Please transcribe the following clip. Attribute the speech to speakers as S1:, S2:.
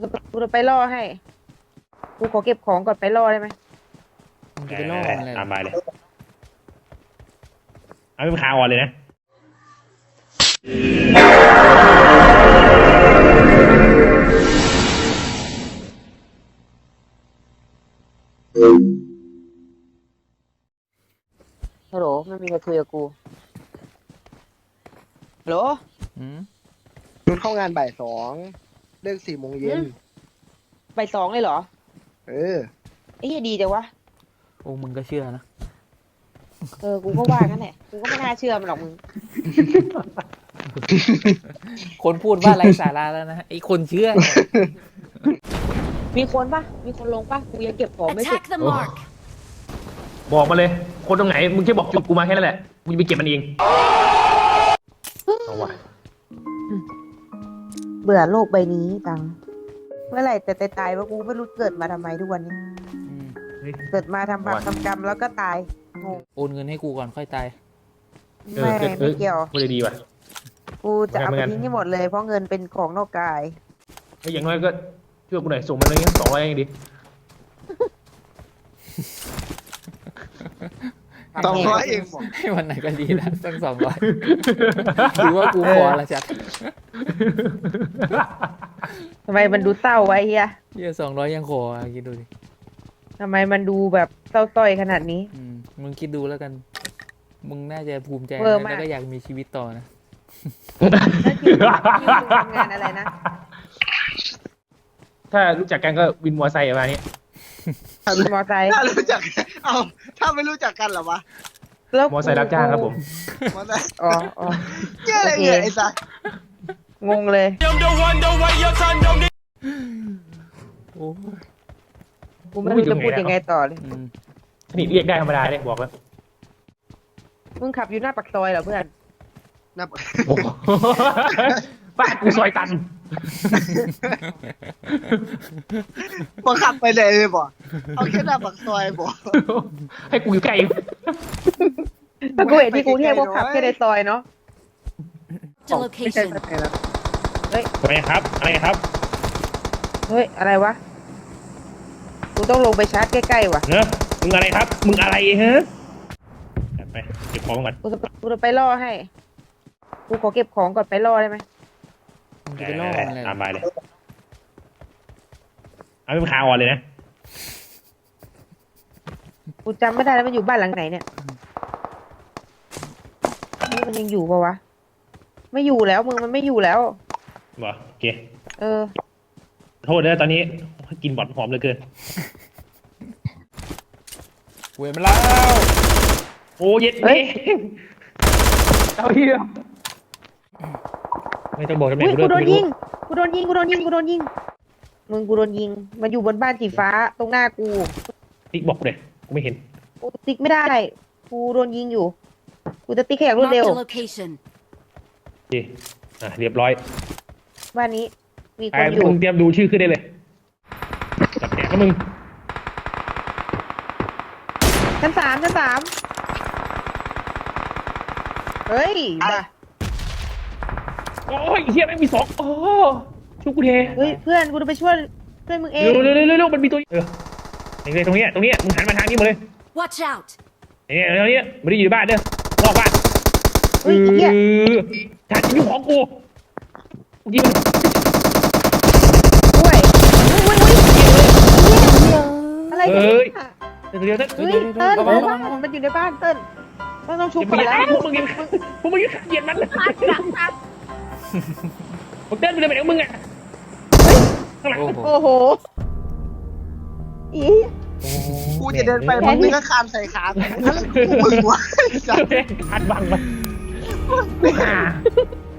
S1: กูจะไปล่อให้กูขอเก็บของก่อนไปล่อได้ไหม
S2: มึงจะไปล่อมันอะไร
S3: ตามไปเลยเอาเป็นขาอ่อนเลยนะ
S1: ฮัลโหลไม่มีใครคุยกับกูฮัลโหล
S2: อืม
S4: รุดเข้างานบ่าย2เลิก4 โมงเย็น
S1: บ่ายสองเลยเหรอ
S4: เออ
S1: ไอ้เหี้ยดีจังวะ
S2: โอ้มึงก็เชื่อนะ
S1: กูก็ว่างั้นแหละกูก็ไม่น่าเชื่อมันหรอกมึง
S2: คนพูดว่าไร้สาระแล้วนะไอ้คนเชื่อ
S1: มีคนปะมีคนลงปะกูยังเก็บของไม่เสร็จ
S5: Attack the mark.
S3: บอกมาเลยคนตรงไหนมึงแค่บอกจุดกูมาแค่นั้นแหละกูจะไปเก็บมันเองเอาวะ
S1: เบื่อโลกใบนี้ตังเมื่อไหร่แต่ตายว่ากูไม่รู้เกิดมาทำไมทุกวันนี้
S2: อืม
S3: เฮ้ย
S1: เกิดมาทำบาปทำกรรมแล้วก็ตายงง
S2: โอนเงินให้กูก่อนค่อยตาย
S1: ไม่เกี่ยว
S3: พูดดีว่ะ
S1: กูจะเอา
S3: ไม่
S1: ไป
S3: งั้น
S1: ทิ้งให้หมดเลยเพราะเงินเป็นของนอกกาย
S3: เฮ้ยอย่างน้อยก็ช่วยกูหน่อยส่งมันอะไรเงี้ย200ยังดี
S4: 200เองบอก
S2: ให้วันไหนก็ดีแล้วตั้ง200หรือว่ากูขอละจัด
S1: ทำไมมันดูเศร้าไว้เฮีย
S2: เฮีย200ยังขอคิดดูดิ
S1: ทำไมมันดูแบบเศร้าต้อยขนาดนี้
S2: อืมมึงคิดดูแล้วกัน มึงน่าจะภูมิใจ
S1: เวอร์
S2: นะ
S1: มาก
S2: แล้วก็อยากมีชีวิตต่อนะ
S1: แล้วคิวทำงานอะไรนะ
S3: ถ้ารู้จักกันก็วินมอไซค์ประมาณนี้
S1: ขี่มอไซค์
S4: ถ้ารู้จัก เอาถ้าไม่รู้จักกันเหรอวะ
S1: แล้ว
S3: มอไซค์รับจ้างครับผม
S4: มันได้
S1: อ๋ออ๋อ
S4: เจ๊อะไรเนี่ยไอ้สัส
S1: งงเลย
S2: โอ้ย
S1: กูไม่รู้จะพูดยังไงต่อเลย
S2: อืม
S3: นี่เรียกได้ธรรมดาเลยบอกแล้ว
S1: มึงขับอยู่หน้าปากซอยเหรอเพื่อน
S4: นับ
S3: โอ้โหบ้านกูซอยตัน
S4: บังคับไปเลยบอกเอาแค่หน้าปากซอยบอก
S3: ให้กูอยู่ใกล้
S1: ถ้ากูเห็นที่กรุงเทพก็ขับแค่ในซอยเนาะ
S5: The
S1: ไม่ใช่
S5: location.
S1: ซอยแล้วเฮ้ย
S3: อะไรครับอะไรครับ
S1: เฮ้ย อะไรวะ กูต้องลงไปชาร์จใกล้ๆว่ะ
S3: เนอะมึงอะไรครับมึงอะไรฮะไปเก็บของก่อน
S1: กูจะไปล่อให้ กูขอเก็บของก่อนไปล่อได้ไหม
S2: มึงจะไปล่อมันอะไร
S3: ตามไปเลยเอาเป็นขาอ่อนเลยนะ
S1: กูจำไม่ได้แล้วมันอยู่บ้านหลังไหนเนี่ยนี่มันยังอยู่ปะวะ ไม่อยู่แล้วมึงมันไม่อยู่แล้ว
S3: บอกโอเค
S1: เออ
S3: โทษนะตอนนี้กินบอดหอมเหลือเกิน
S2: เว้ยมันแล้ว
S3: โอ้เย็ด
S1: เฮ้ย
S3: เอาเหี้ยไม่ต้องบอกทำไม
S1: อุ้ย
S3: กู
S1: กูโด
S3: เลิ
S1: น
S3: ก
S1: ยิง กูโดนยิง กูโดนยิง กูโดนยิง มึงกูโดนยิง มันอยู่บนบ้านสีฟ้าตรงหน้ากู
S3: ติ๊กบอกเลยกูไม่เห็น
S1: กูติ๊กไม่ได้ กูโดนยิงอยู่ กูจะติ๊กแค่อย่างรวด
S5: Marked
S1: เร็ว
S5: a location.
S3: โอเคเรียบร้อย
S1: บ้านนี้ มีค
S3: ไอ้
S1: นอยู่
S3: มึงเตรียมดูชื่อขึ้นได้เลยจับแขนแล้วมึง
S1: ชั้น 3 ชั้น 3 เฮ้ยบ้า
S3: โอ้ยเฮียแม่งมี2อ๋อช่วยกูเท
S1: เฮ้ย เพื่อน กูจะไปช่วยมึงเอง
S3: เร็วเร็วมันมีตัวตรงนี้มึงหันมาทางนี้หมดเลย
S5: Watch out.
S3: เนี่ยตรงนี้ไม่ได้อยู่ในบ้านเด้อนอกบ้าน
S1: เฮ้ยไอ้เหี้ย
S3: ถ่ายอยู่ของกูยิง
S1: ด้วยอุ้ยอะไรกันเนี่ย
S3: เดี๋ยว
S1: เฮ้ยเติ้ลมันอยู่ในบ้านเติ้ลต้องชุบ
S3: มึ
S1: ก่
S3: ง
S1: อน
S3: อย่า
S1: แล้ว
S3: พวกมึงอย่าเกลียดมันมึงเดินไปเลยไปไหนมึงอ่ะข้างหลัง
S2: โอ้โห
S1: โอ้โหอี
S4: กูจะเดินไปมึงก็คานใส่ขากูอะไรกูมึงวะไอ้สัส
S3: คัดบังมัน